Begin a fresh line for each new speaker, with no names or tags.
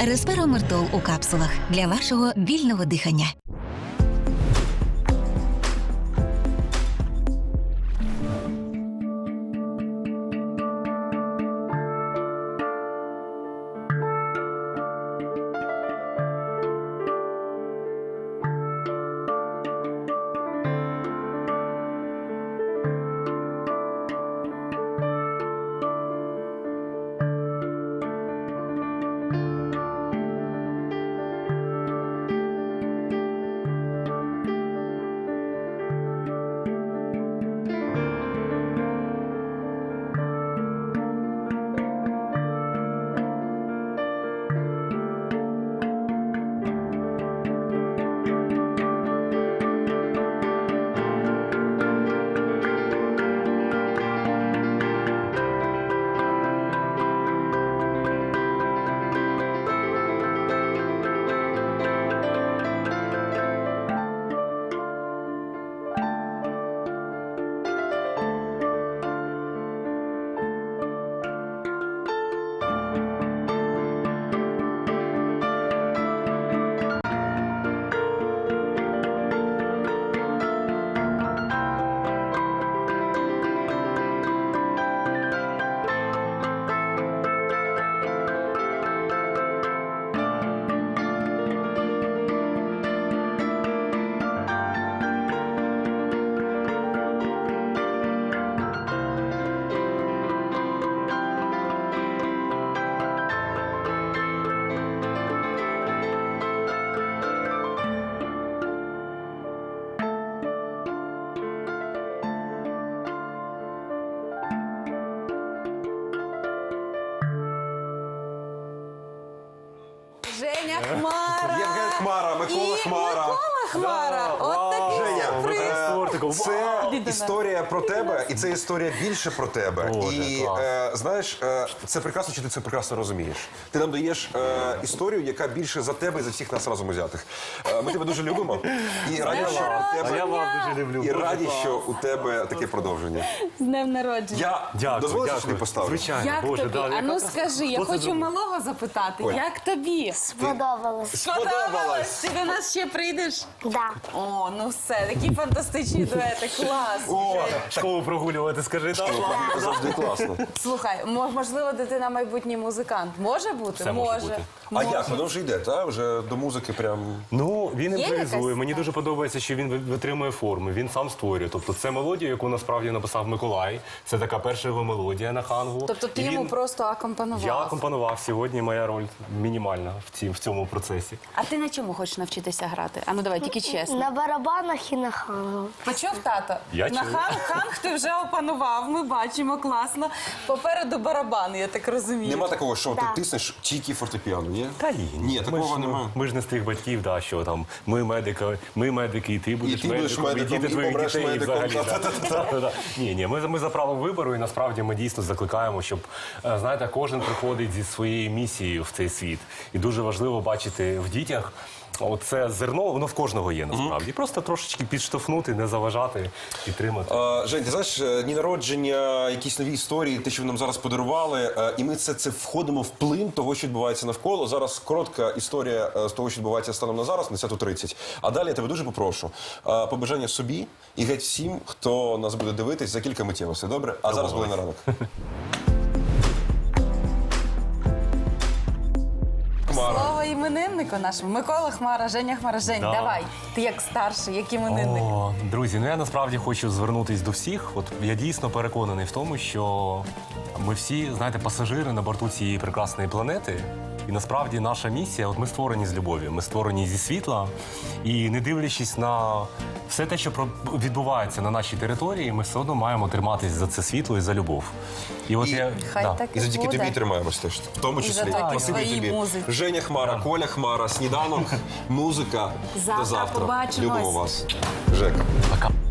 Респиромертол у капсулах для вашого вільного дихання.
Женя Хмара.
Євген Хмара, Микола Хмара.
Микола Хмара. От такий
Женя,
сюрприз.
це історія про тебе, і це історія більше про тебе. І знаєш, це прекрасно, чи ти це прекрасно розумієш. Ти нам даєш історію, яка більше за тебе і за всіх нас разом узятих. Ми тебе дуже любимо. І раді, що у тебе...
Я вас дуже люблю.
І раді, що у тебе таке продовження.
З днем народження.
Я дозволиш, що тобі поставлю?
Звичайно,
Як
Боже,
тобі?
да,
А ну
яка
скажи, я хочу малого запитати.
Оль.
Як тобі?
Сподобалось.
Сподобалось? Ти до нас ще прийдеш?
Да.
О, ну все, такі фантастичні дуети, клас.
О,
школу прогулювати, скажи, так?
це завжди класно.
Слухай, можливо, дитина майбутній музикант. Може бути?
Все може бути.
А як? Воно вже йде, та? Вже до музики прям...
Ну, він
Є
імпровізує.
якась
Мені
така?
дуже подобається, що він витримує форми, він сам створює. Тобто це мелодія, яку насправді написав Миколай. Це така перша його мелодія на хангу.
Тобто ти
І
йому
він-
просто акомпанував?
Я акомпанував. Сьогодні моя роль мінімальна в цьому процесі.
А ти на чому хочеш навчитися грати? А ну давай, тільки чесно.
На барабанах і на хангу.
Почув, тато?
Я
На
чув.
ханг ти вже опанував, ми бачимо, класно. Попереду барабан, я так розумію.
Нема такого, що ти
Да.
тиснеш тільки фортепіано, ні?
Та ні,
Ні, такого немає.
Ми ж не з тих батьків, да, що там ми медики, і ти будеш
ти будеш медиком,
діти
і
твоїх
помреш
дітей і
медиком.
взагалі. Да. Ні, ми за право вибору, і насправді ми дійсно закликаємо, щоб, знаєте, кожен приходить зі своєю місією в цей світ. І дуже важливо бачити в дітях оце зерно, воно в кожного є насправді. Просто трошечки підштовхнути, не заважати, підтримати.
Жень, ти знаєш, дні народження, якісь нові історії, те, що ви нам зараз подарували, і ми це входимо в плин того, що відбувається навколо. Зараз коротка історія з того, що відбувається станом на зараз, на 10:30. А далі я тебе дуже попрошу побажання собі і геть всім, хто нас буде дивитись за кілька миттєвостей, добре? А зараз буде на ранок.
Слово імениннику нашому. Микола Хмара, Женя Хмара. Жень,
Да.
давай. Ти як старший, як іменинник.
О, друзі, ну я насправді хочу звернутися до всіх. От я дійсно переконаний в тому, що ми всі, знаєте, пасажири на борту цієї прекрасної планети. І насправді наша місія, от ми створені з любові, ми створені зі світла. І не дивлячись на все те, що відбувається на нашій території, ми все одно маємо триматись за це світло і за любов. І от
Хай так
І завдяки
буде.
тобі тримаємось теж, в тому числі.
завдяки
Спасибі
твоїй
тобі.
музиці.
Женя Хмара, Коля Хмара, сніданок, музика.
Завтра
До завтра.
побачимось.
Любимо вас. Жека.
Пока.